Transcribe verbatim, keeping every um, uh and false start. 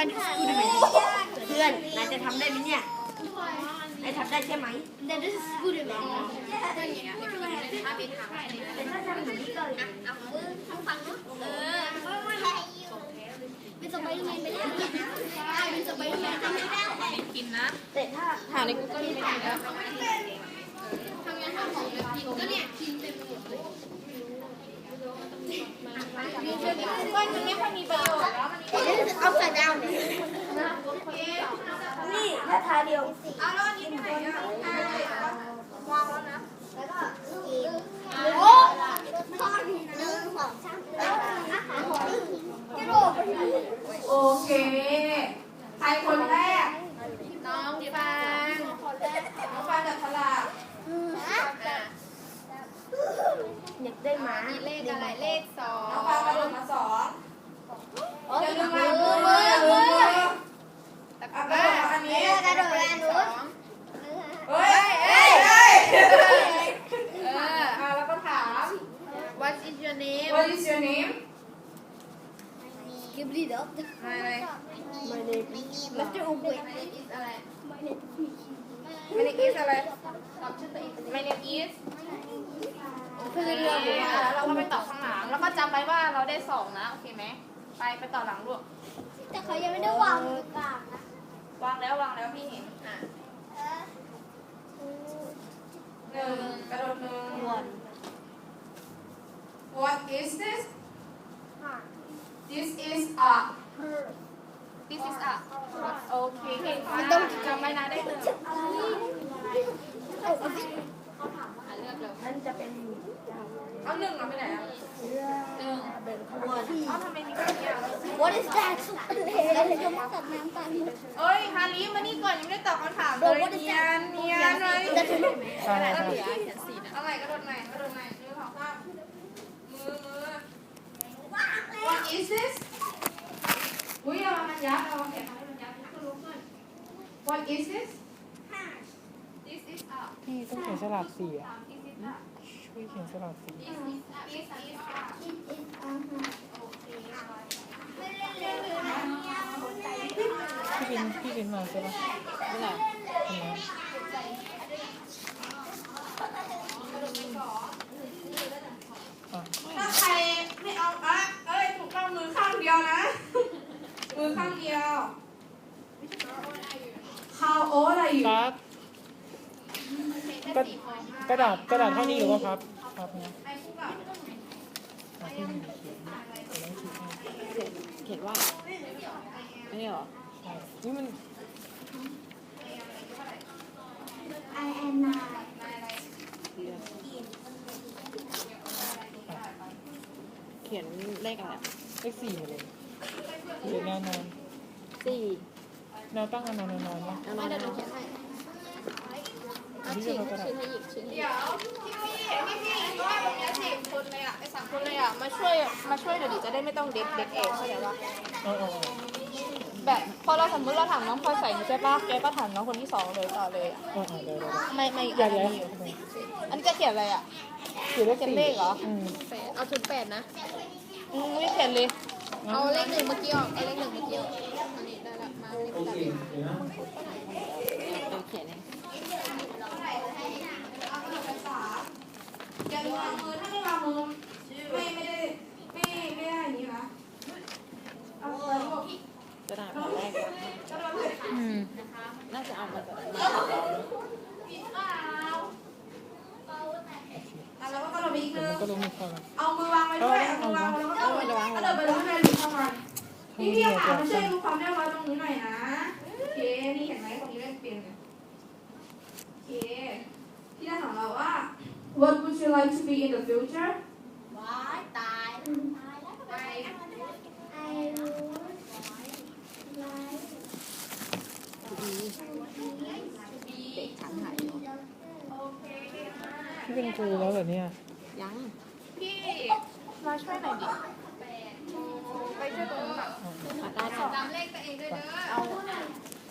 find his Spiderman เพื่อนนายจะทำได้ไหมเนี่ยนายทำได้ใช่ไหม That is Spiderman แต่ถ้าทำแบบนี้ก็เลยเป็นสไปเดอร์แมนไปแล้วเป็นสไปเดอร์แมนทำไม่ได้กินนะแต่ถ้าหาใน Google ไม่ได้แล้วทำงานทำของแบบกินก็เนี่ยกินเต็มไปหมดเลยก้อนมันไม่ค่อยมีประโยชน์แล้วมันมี This is upside down นี่ถ้าทาเดียวเอาแล้วอันนี้ไปไหนอ่ะวางแล้วนะแล้วก็กินโอ้ทอดหนึ่งสองสามอาหารของกระโดดโอเคใครคนแรกน้องฟางน้องฟางจับฉลากอยากได้หมาเลขอะไรเลขสองน้องฟาฟาง งกกระระโดโดดดมามาสสออง งอย่าลืมมามือมือมือมือตะกร้าอันนี้กระโดดแรงนู้นเฮ้ยเฮ้ยเฮ้ยเอออ่ะแล้วก็ถาม What is your name What is your name กิบลีด็อกมาอะไรไม่ได้มิสเตอร์อุบเว My name is อะไร My name is อะไรตอบชื่อตัวเอง My name is คือเรื่องแล้วเราก็ไปต่อข้างหลังแล้วก็จำไว้ว่าเราได้สองนะโอเคไหมไปไปต่อหลังลูกแต่เขายังไม่ได้วางตรงกลางนะวางแล้ววางแล้วพี่เห็นอ่ะหนึ่งกระโดดหนึ่งวัน What is this This is a This is a โอเคเก่งมากจำไว้นะได้หนึ่งอ่ะเลือกเลยนั่นจะเป็นเอาหนึ่งเอาไปไหนอ่ะหนึ่งเป็นขบวนเอาทำไมมีแค่นี้อ่ะ What is that แล้วจะมาตัดน้ำตาลเอ้ยฮาริมานี่ก่อนยังไม่ได้ตอบคำถามเลยเนียนเนียนเลยใช่ครับเอาใหม่กระโดดใหม่กระโดดใหม่มือของข้างมือมือ What is this อุ้ยเอามันยับเอาแขนให้มันยับขึ้นลุกขึ้น What is this This is a พี่ต้องเขียนฉลากสีอ่ะ This is a ช่วยเขียนฉลากสี This is a This is a โอเคพี่บินพี่บินมาใช่ปะไม่ไหนทำไม อ่ะถ้าใครไม่เอาอ่ะเอ้ยถูกต้องมือข้างเดียวนะ มือข้างเดียว How old are you ครับกระกระดาษกระดาษเท่านี้หรือว่าพับพับนะไอ้พวกแบบอ่ะพี่บินเขียนเขียนแล้วคิดให้เขียนว่าไม่ได้หรอใช่นี่มัน I am nine เขียนเลขอะไรเลขสี่หมดเลยเขียนแนวนอนสี่แนวตั้งแนวนอนนอนๆนะแล้วมาเดี๋ยวหนูเขียนให้อันนี้จะเอากระดาษชิ้นให้หยิบชิ้นให้หยิเดี๋บยวพี่พี่พี่ก็ว่าตรงนี้สิคนเลยอ่ะไอ้สามคนเลยอ่ะมาช่วยมาช่วยเดี๋ยวดิจะได้ไม่ต้องเด็กเด็กเองเข้าใจปะเออเออเออแบบพอเราสมมติเราถามน้องพลอยใส่ใช่ปะแกก็ถามน้องคนที่สองเลยต่อเลยอะเออเออเดี๋ยวเดี๋ยวไม่ไม่เดี๋ยวเดี๋ยวอันนี้จะเขียนอะไรอ่ะเขียนเลขเขียนสี่เลขเหรออืมแปดเอาถึงแปดนะอืมไม่เขียนเลยเอาเลขหนึ่งเมื่อกี้ออกเอาเลขหนึ่งเมื่อกี้ออกอันนี้ได้ละมาเลขตัดเดี๋ยวเขียนเองอย่าลืมวางมือถ้าไม่วางมือไม่ไม่ได้ไม่ไม่ได้อย่างนี้นะเอาเลยลูกกระดาษแผ่นแรกก็โดนเลยอืมน่าจะเอามาจากมาอ่ะแล้วก็กระโดดไปอีกเดี๋นึยวงมันก็ลงมือเข้ามาเอามือวางไว้ด้วยเอามือวางไว้แล้วก็กระโดดกระโดดไปเลยข้างในหรือข้างในพี่พี่ค่ะมาช่วยดูความเรียบร้อยตรงนี้หน่อยนะโอเคนี่เห็นไหมตรงนี้เลขเปลี่ยนเนี่ยโอเคที่ด้านของเราว่า What would you like to be in the future ว้ายตายตายแล้วไป I would like เด็กฉันหายอยู่พี่เป็นครูแล้วเหรอเนี่ยยังพี่มาช่วยหน่อยดิไปช่วยตรงนู้นอ่ะอ่ะได้ค่ะจำเลขตัวเองด้วยเด้อเอา